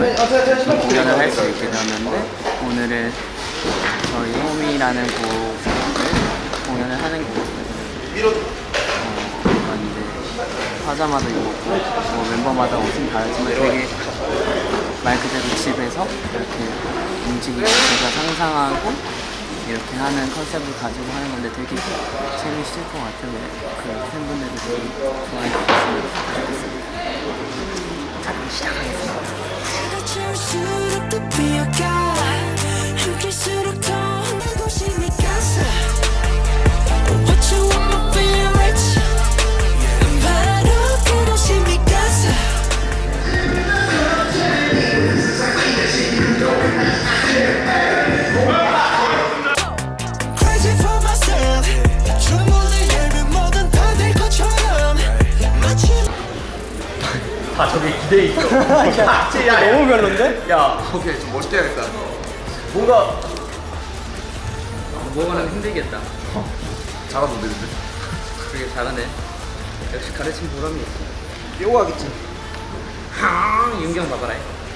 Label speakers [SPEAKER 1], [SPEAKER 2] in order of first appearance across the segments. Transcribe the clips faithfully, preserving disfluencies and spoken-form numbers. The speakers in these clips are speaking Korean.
[SPEAKER 1] 공연을 할 수 있게 되었는데 오늘은 저희 홈이라는 곡을 공연을 하는 곡이거든요. 어, 이제 화자마다 입었고 뭐 멤버마다 옷은 다르지만 되게 말 그대로 집에서 이렇게 움직이고 제가 상상하고 이렇게 하는 컨셉을 가지고 하는 건데 되게 재밌을 것 같아요. 그 팬분들도 되게 좋아해 주셨으면 좋겠습니다. 자, 그럼 시작하겠습니다.
[SPEAKER 2] 아 저기 기대해 있어. 야, 야, 너무 별론데? 야,
[SPEAKER 3] 오케이 좀 멋있게 해야겠다.
[SPEAKER 2] 뭔가
[SPEAKER 1] 뭐가는 힘들겠다.
[SPEAKER 3] 잘하던데 근데.
[SPEAKER 1] 그게 잘하네. 역시 가르친 보람이 있어.
[SPEAKER 2] 요거 하겠지.
[SPEAKER 1] 하, 윤경 봐봐라.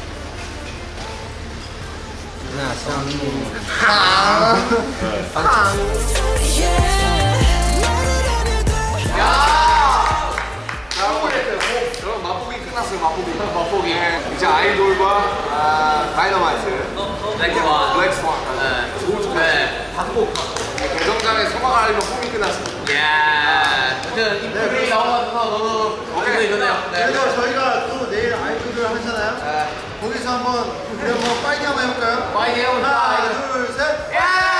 [SPEAKER 3] 그럼 맛보기 끝났어요. 맛보기. 맛보기. 이제 아이돌과 아, 다이너마이트.
[SPEAKER 1] 블랙스완.
[SPEAKER 3] 블랙스완.
[SPEAKER 1] 네.
[SPEAKER 3] 좋은 쪽.
[SPEAKER 1] 네.
[SPEAKER 3] 받고 대정장에 소망을 알리면 홈이 끝났어요.
[SPEAKER 1] 야, 그 입술이 나와서 너무
[SPEAKER 3] 오케이.
[SPEAKER 1] 이거네요. 네.
[SPEAKER 4] 그래서 저희가 또 내일 아이돌을 하잖아요. 거기서 한번 우리 한번 파이팅 한번 해볼까요?
[SPEAKER 1] 파이팅 해보자.
[SPEAKER 4] 하나, 둘, 셋.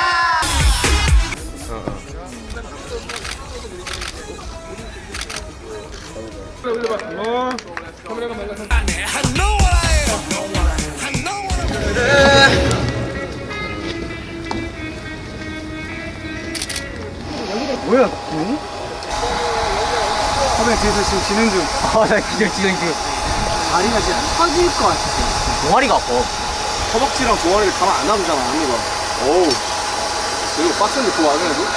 [SPEAKER 2] 뭐야? 응? 화면 뒤에서 지금 진행 중. 아, 나 기절 진행 중. 다리가 진짜 터질 것 같아.
[SPEAKER 1] 동아리가 아파.
[SPEAKER 3] 허벅지랑 종아리를 가만 안 놔두잖아 언니가. 어우. 이거 빡센데 그거 안 해도?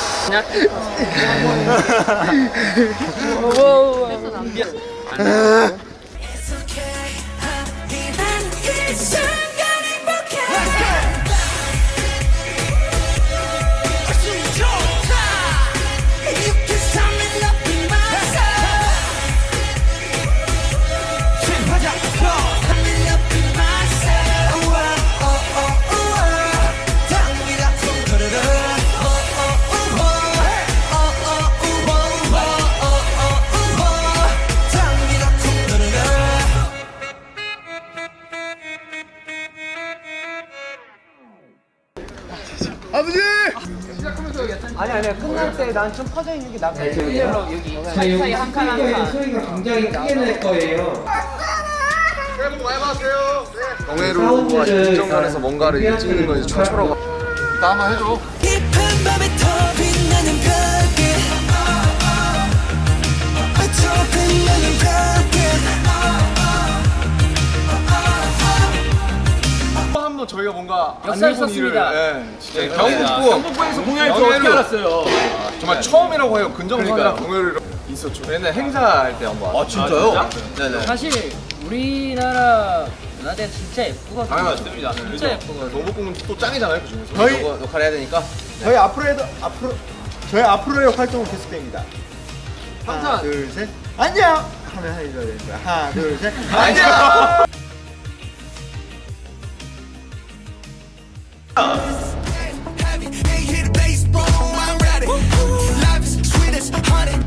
[SPEAKER 3] 아버지!
[SPEAKER 2] 아니 아니야 끝날 때 난 좀 퍼져 있는 게 낫다.
[SPEAKER 1] 여기 사이 한 칸 한 칸.
[SPEAKER 2] 소리가 굉장히 크게 날 거예요.
[SPEAKER 3] 새해 복 많이 받으세요. 네. 정혜루와 김정관에서 뭔가를 이제 찍는 건 이제 최초라고. 나 한번 해줘.
[SPEAKER 5] 깊은 밤에 더 빛나는 별빛 더 빛나는 별빛
[SPEAKER 3] 한번 저희가 뭔가
[SPEAKER 1] 역사를
[SPEAKER 3] 안 해본
[SPEAKER 1] 썼습니다.
[SPEAKER 3] 일을, 예, 진짜 경북부 경북부에서 공연을 또 어떻게 알았어요? 정말 처음이라고 해요. 근정선이랑 공연을 있었죠. 옛날 행사할 때 한번. 아
[SPEAKER 2] 진짜요?
[SPEAKER 3] 네네.
[SPEAKER 1] 사실 우리나라 문화대 진짜 예쁘거든요.
[SPEAKER 3] 당연하십니다.
[SPEAKER 1] 진짜 예쁘거든요.
[SPEAKER 3] 경북부는 또 짱이잖아요, 그 중에서.
[SPEAKER 4] 저희-
[SPEAKER 3] 너 역할 해야 되니까.
[SPEAKER 4] 저희 앞으로 해도 앞으로 저희 앞으로의 활동은 계속됩니다. 하나,
[SPEAKER 3] 항상.
[SPEAKER 4] 둘, 셋. 안녕. 하면 해줘야 되는 거야. 하나, 둘, 셋.
[SPEAKER 3] 안녕.
[SPEAKER 5] Hey, hit the baseball, I'm ready. Life is sweet as honey.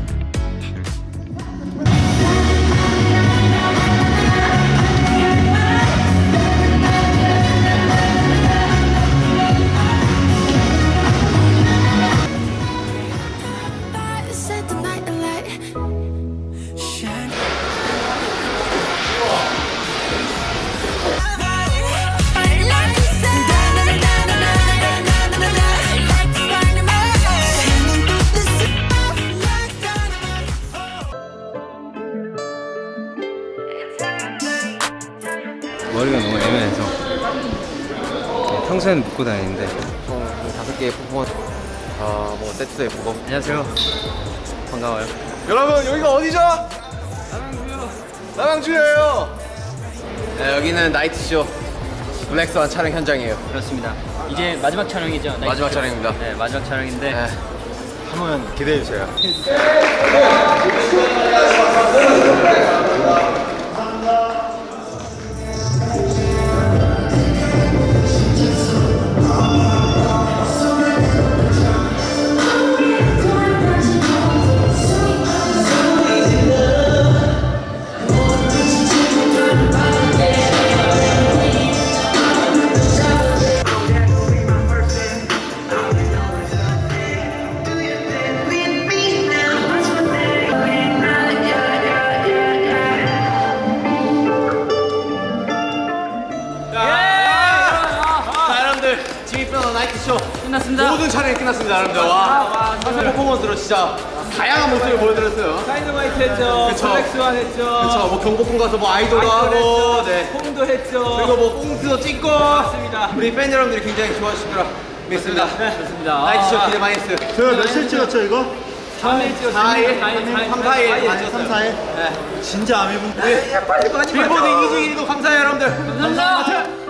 [SPEAKER 5] Set the night alight. Shine.
[SPEAKER 6] 머리가 너무 애매해서 평소에는 묶고 다니는데
[SPEAKER 1] 총 다섯 개의 퍼포먼스. 아, 뭐 세트도 예쁘고. 안녕하세요. 반가워요.
[SPEAKER 3] 여러분 여기가 어디죠? 남양주요. 남양주예요. 네, 여기는 나이트쇼 블랙스완 촬영 현장이에요.
[SPEAKER 2] 그렇습니다. 이제 마지막 촬영이죠? 나이트
[SPEAKER 3] 마지막
[SPEAKER 2] 쇼.
[SPEAKER 3] 촬영입니다.
[SPEAKER 2] 네, 마지막 촬영인데
[SPEAKER 3] 네.
[SPEAKER 4] 한번 기대해 주세요.
[SPEAKER 3] 자, 여러분들 지미프너 나이트쇼
[SPEAKER 2] 끝났습니다.
[SPEAKER 3] 모든 촬영이 끝났습니다, 여러분들. 와, 선수 퍼포먼스로 진짜 다양한 모습을 보여드렸어요.
[SPEAKER 2] 다이너마이트 했죠.
[SPEAKER 3] 그쵸.
[SPEAKER 2] 블랙스완 했죠.
[SPEAKER 3] 그렇죠. 뭐 경복궁 가서 뭐 아이돌도 하고, 네.
[SPEAKER 2] 홈도 했죠.
[SPEAKER 3] 그리고 뭐 꽁트도 찍고.
[SPEAKER 2] 맞습니다.
[SPEAKER 3] 우리 팬 여러분들이 굉장히 좋아하시더라. 믿습니다.
[SPEAKER 2] 좋습니다.
[SPEAKER 3] 나이트쇼 기대 많이 했어요.
[SPEAKER 4] 저희 며칠 찍었죠 이거?
[SPEAKER 2] 삼 일 찍었어요.
[SPEAKER 3] 사 일,
[SPEAKER 2] 사 일,
[SPEAKER 3] 삼, 사 일
[SPEAKER 2] 사
[SPEAKER 3] 맞췄어요.
[SPEAKER 4] 삼, 사 일?
[SPEAKER 3] 네.
[SPEAKER 4] 진짜 아미분.
[SPEAKER 3] 빌보드 이주 일 위도 감사해요, 여러분들.
[SPEAKER 2] 감사합니다.